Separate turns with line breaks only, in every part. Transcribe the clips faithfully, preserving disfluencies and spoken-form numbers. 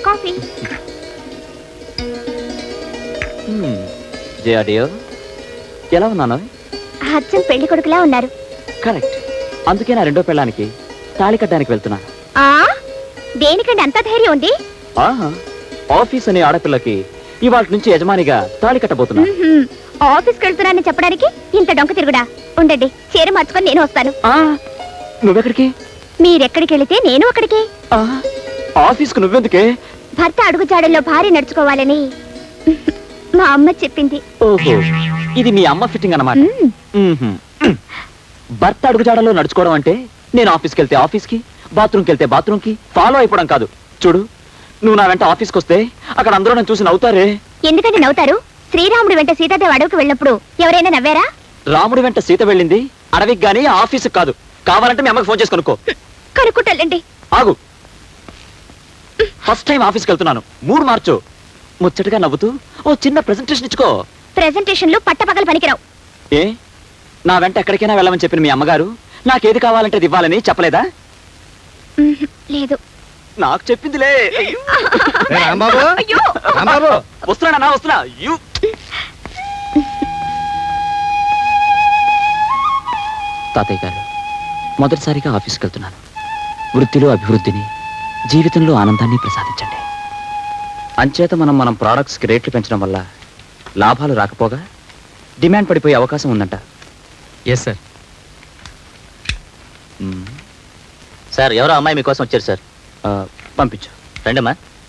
Coffee.
ఎలా ఉన్నాను?
అచ్చం పెళ్లి కొడుకులా ఉన్నారు.
కరెక్ట్. అందుకే నా రెండో పెళ్ళానికి తాళి కట్టడానికి వెళ్తున్నా.
ఆ దేనికండి అంత ధైర్యం ఉంది?
ఆహా, ఆఫీస్ అనే ఆడపిల్లకి ఇవాళ నుంచి యజమానిగా తాళి కట్టబోతున్నా.
ఆఫీస్కి వెళ్తున్నానని చెప్పడానికి ఇంత డొంక తిరుగుడా? ఉండండి, చీర మార్చుకొని నేను వస్తాను.
నువ్వెక్కడికి?
మీరెక్కడికి వెళితే నేను అక్కడికి.
ఆఫీస్కు నువ్వెందుకే?
భర్త అడుగుజాడల్లో భార్య నడుచుకోవాలని మా అమ్మ చెప్పింది.
ఓహో, ఇది మీ అమ్మ ఫిట్టింగ్ అన్నమాట. భర్త అడుగుజాడల్లో నడుచుకోవడం అంటే నేను ఆఫీస్కి వెళ్తే ఆఫీస్కి, బాత్రూమ్కి వెళ్తే బాత్రూమ్కి ఫాలో అయిపోవడం కాదు. చూడు, నువ్వు నా వెంట ఆఫీస్కి వస్తే అక్కడ అందరూ నన్ను చూసి నవ్వుతారే.
ఎందుకంటే నవ్వుతారు? శ్రీరాముడి వెంట సీతాదేవి అడవికి వెళ్ళినప్పుడు ఎవరైనా నవ్వారా?
రాముడి వెంట సీత వెళ్ళింది అడవికి గానీ ఆఫీస్కి కాదు. కావాలంటే మీ అమ్మకి ఫోన్ చేసి కనుక్కో.
కనుక్కుంటాలండి.
ఆగు, ఫస్ట్ టైం ఆఫీస్కి వెళ్తున్నాను, మూడు మార్చు. ముచ్చటగా నవ్వుతూ ఓ చిన్న ప్రెజెంటేషన్ ఇచ్చుకో.
ప్రెజెంటేషన్లు పట్టపగలు పనికిరావు.
ఏ, నా వెంట ఎక్కడికైనా వెళ్ళమని చెప్పిన మీ అమ్మగారు నాకేది కావాలంటే అది ఇవ్వాలని చెప్పలేదా?
లేదు.
నాకు చెప్పిందిలే.
అయ్యో,
వస్తున్నా వస్తున్నా. తాతయ్య గారు, మొదటిసారిగా ఆఫీస్కి వెళ్తున్నాను. వృత్తిలో అభివృద్ధిని, జీవితంలో ఆనందాన్ని ప్రసాదించండి. అంచేత మనం మనం ప్రోడక్ట్స్కి రేట్లు పెంచడం వల్ల లాభాలు రాకపోగా డిమాండ్ పడిపోయే అవకాశం ఉందంట.
Yes sir.
సార్, ఎవరో అమ్మాయి మీకోసం వచ్చారు సార్.
పంపించు.
రండమ్మా.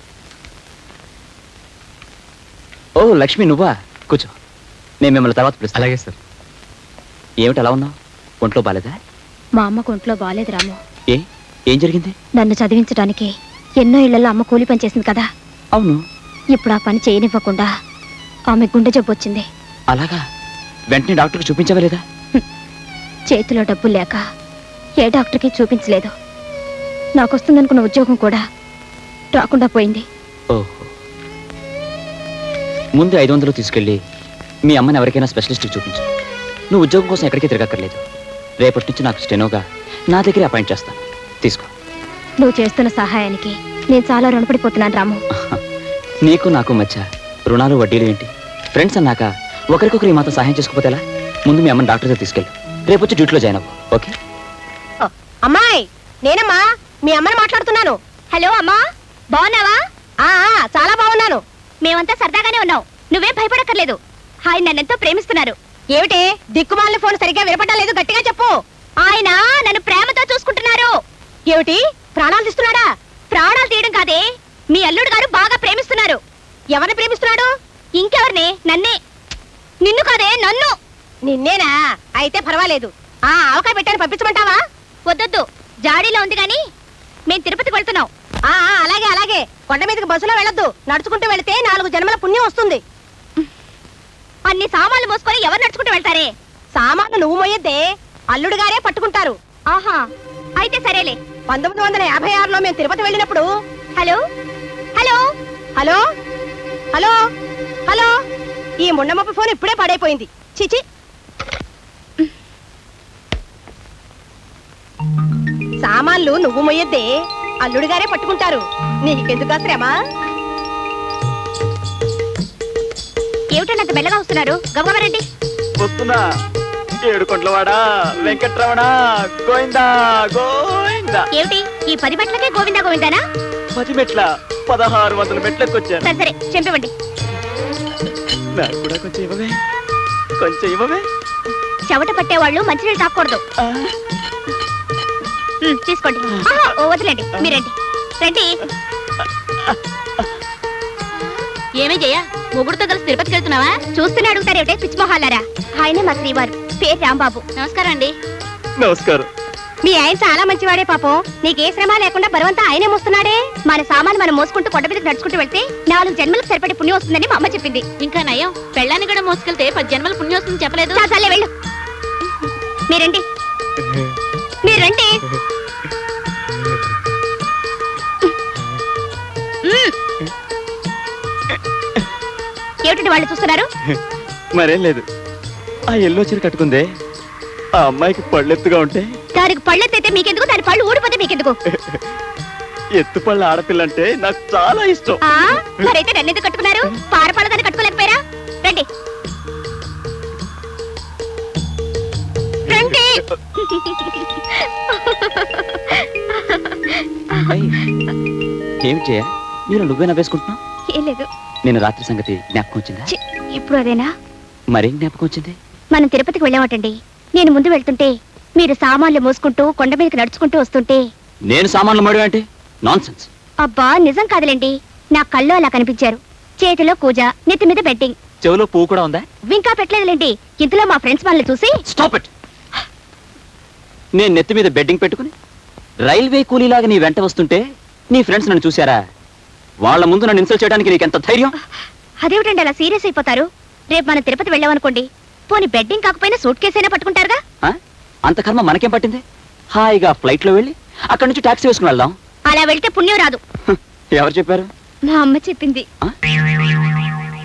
ఓ లక్ష్మి, నువ్వా? కూర్చో, నేను మిమ్మల్ని తర్వాత పిలుస్తాను.
అలాగే సార్.
ఏమిటి అలా ఉన్నావు? ఒంట్లో బాలేదా?
మా అమ్మకు ఒంట్లో బాలేదు రాము.
ఏ, ఏం జరిగింది?
నన్ను చదివించడానికి ఎన్నో ఇళ్లలో అమ్మ కూలి పని చేసింది కదా.
అవును.
ఇప్పుడు ఆ పని చేయనివ్వకుండా ఆమె గుండె జబ్బు వచ్చింది.
అలాగా? వెంటనే డాక్టర్కి చూపించవలేదా?
చేతిలో డబ్బులు లేక ఏ డాక్టర్కి చూపించలేదు. నాకు వస్తుందనుకున్న ఉద్యోగం కూడా రాకుండా పోయింది.
ఓహో, ముందు ఐదు వందలు తీసుకెళ్ళి మీ అమ్మని ఎవరికైనా స్పెషలిస్ట్కి చూపించు. నువ్వు ఉద్యోగం కోసం ఎక్కడికి తిరగక్కర్లేదు. రేపటి నుంచి నాకు స్టెనోగా నా దగ్గర అపాయింట్ చేస్తాను. తీసుకో.
నువ్వు చేస్తున్న సహాయానికి నేను చాలా రుణపడిపోతున్నాను రాము.
నీకు నాకు మధ్య రుణాలు వడ్డీలు ఏంటి? ఫ్రెండ్స్ అన్నాక ఒకరికొకరు ఈ మాత్రం సహాయం చేసుకోపోతే ఎలా? ముందు మీ అమ్మని డాక్టర్ దగ్గర తీసుకెళ్ళు. రేపు వచ్చి డ్యూటీలో జాయిన్ అవ్వు. ఓకే?
అమ్మాయి, నేనమ్మా మీ అమ్మని మాట్లాడుతున్నాను. హలో అమ్మా, బాగున్నావా? చాలా బాగున్నాను. మేమంతా సరదాగానే ఉన్నాం, నువ్వే భయపడక్కర్లేదు. ఆయన నన్నెంతో ప్రేమిస్తున్నారు. ఏమిటి దిక్కుమాలిన ఫోన్ సరిగ్గా వినపడడం లేదు, గట్టిగా చెప్పు. ఆయన నన్ను ప్రేమతో చూసుకుంటున్నారు. ఏమిటి, ప్రాణాలు తీస్తున్నాడా? ప్రాణాలు తీయడం కాదే, మీ అల్లుడు గారు బాగా ప్రేమిస్తున్నారు. ఎవరిని ప్రేమిస్తున్నాడు? ఇంకెవరిని? నన్నే. నిన్ను కాదే, నన్ను. నిన్నేనా? అయితే పర్వాలేదు. ఆ ఆవకాయ పెట్టాను, పంపించమంటావా? వద్దొద్దు, జాడీలో ఉంది గాని మేం తిరుపతికి వెళ్తున్నాం. ఆ అలాగే అలాగే. కొండ మీదకి బస్సులో వెళ్ళొద్దు, నడుచుకుంటూ వెళితే నాలుగు జన్మల పుణ్యం వస్తుంది. అన్ని సామాన్లు మోసుకొని ఎవరు నడుచుకుంటూ వెళ్తారే? సామాన్లు నువ్వు మోయొద్దే, అల్లుడు గారే పట్టుకుంటారు. ఆహా, అయితే సరేలే. పంతొమ్మిది వందల యాభై ఆరులో మేము తిరుపతి వెళ్ళినప్పుడు. Hello hello hello hello hello ఈ ముండమప్ప ఫోన్ ఇప్పుడే పడైపోయింది. చిచి, సామాన్లు నువ్వు మొయ్యొద్దే, అల్లుడు గారే పట్టుకుంటారు. నీకెందుకు శ్రమ? ఏమిటంత మెల్లగా వస్తున్నారు? గమగమరండి.
వస్తున్నా. ఏడుకొండలవాడా వెంకట్రమణ గోవిందా గోవిందా.
ఏమిటి ఈ పది మెట్లకే గోవిందా గోవిందానా?
పది మెట్ల పదహారు వందల మెట్లకొచ్చాను.
సరే సరే, చెంపివ్వండి.
నాకు కూడా కొంచెం ఇవ్వవే, కొంచెం ఇవ్వవే.
చెవట పట్టేవాళ్ళు మంచినీళ్ళు తాకూడదు. తీసుకోండి. ఓ వదిలేండి, మీరండి రండి. ఏమే జయ, మొగుడుతో కలిసి తిరుపతికి వెళ్తున్నావా? చూస్తూనే అడుగుతారేమిటే పిచ్చిమొహాలారా. ఆయనే మా శ్రీవారు, పేరు రాంబాబు. నమస్కారం అండి.
నమస్కారం.
మీ ఆయన చాలా మంచివాడే పాపం. నీకే శ్రమ లేకుండా బరువంతా ఆయనే మోస్తున్నాడే. మన సామాను మనం మోసుకుంటూ కొండ మీదకి నడుచుకుంటూ వెళ్తే నాలుగు జన్మలకు సరిపడే పుణ్యం వస్తుందని మా అమ్మ చెప్పింది.
ఇంకా నయం, పెళ్ళాన్ని కూడా మోసుకెళ్తే పది జన్మల పుణ్యం వస్తుంది చెప్పలేదు.
చాలే వెళ్ళు. మీరండి మీరండి. ఏమిటండి వాళ్ళు చూస్తున్నారు?
మరేం లేదు, ఆ ఎల్లో చీర కట్టుకుందే ఆ అమ్మాయికి పళ్ళెత్తుగా ఉంటే
దానికి పళ్ళెత్తైతే మీకెందుకు, దాని పళ్ళు ఊడిపోతే మీకెందుకు?
ఎత్తుపళ్ళ ఆడపిల్ల అంటే నాకు చాలా ఇష్టం.
ఆ మరైతే నన్ను ఎందుకు కట్టుకున్నారు? పారపాలదాన్ని కట్టుకోలేకపోయారా? రండి రండి.
ఏం చేయ నేను నువ్వే నవ్వేసుకుంటున్నావు?
ఏం లేదు.
నేను రాత్రి సంగతి జ్ఞాపకం వచ్చిందా?
ఛీ, ఇప్పుడు అదేనా?
మరేం జ్ఞాపకం వచ్చింది?
మనం తిరుపతికి వెళ్ళామటండి. నేను ముందు వెళ్తుంటే మీరు సామాన్లు మోసుకుంటూ కొండ మీదకి నడుచుకుంటూ వస్తుంటే
నేను సామాన్లు మడి అంటే నాన్ సెన్స్.
అబ్బా నిజం కాదులేండి, నా కళ్ళు అలా కనిపించారు. చేతిలో కూజ, నెత్తి మీద బెట్టింగ్.
చెవిలో పువ్వు కూడా ఉందా?
ఇంకా పెట్టలేదులేండి. ఇంతలో మా ఫ్రెండ్స్ వాళ్ళని చూసి
స్టాప్ ఇట్. నేను నెత్తి మీద బెడ్డింగ్ పెట్టుకుని రైల్వే కూలీలాగా నీ వెంట వస్తుంటే నీ ఫ్రెండ్స్ నన్ను చూశారా? వాళ్ళ ముందు నన్ను ఇన్సల్ట్ చేయడానికి నీకు ఎంత ధైర్యం?
అదేమిటండి అలా సీరియస్ అయిపోతారు? రేపు మనం తిరుపతి వెళ్ళామనుకోండి, పోనీ బెడ్డింగ్ కాకపోయినా సూట్ కేసైనా పట్టుకుంటారుగా.
ఆ? అంత కర్మ మనకేం పట్టింది? హాయిగా ఫ్లైట్ లో వెళ్ళి అక్కడి నుంచి టాక్సీ వేసుకుని వెళ్దాం.
అలా వెళ్తే పుణ్యం రాదు.
ఎవరు చెప్పారు?
మా అమ్మ చెప్పింది.
ఆ?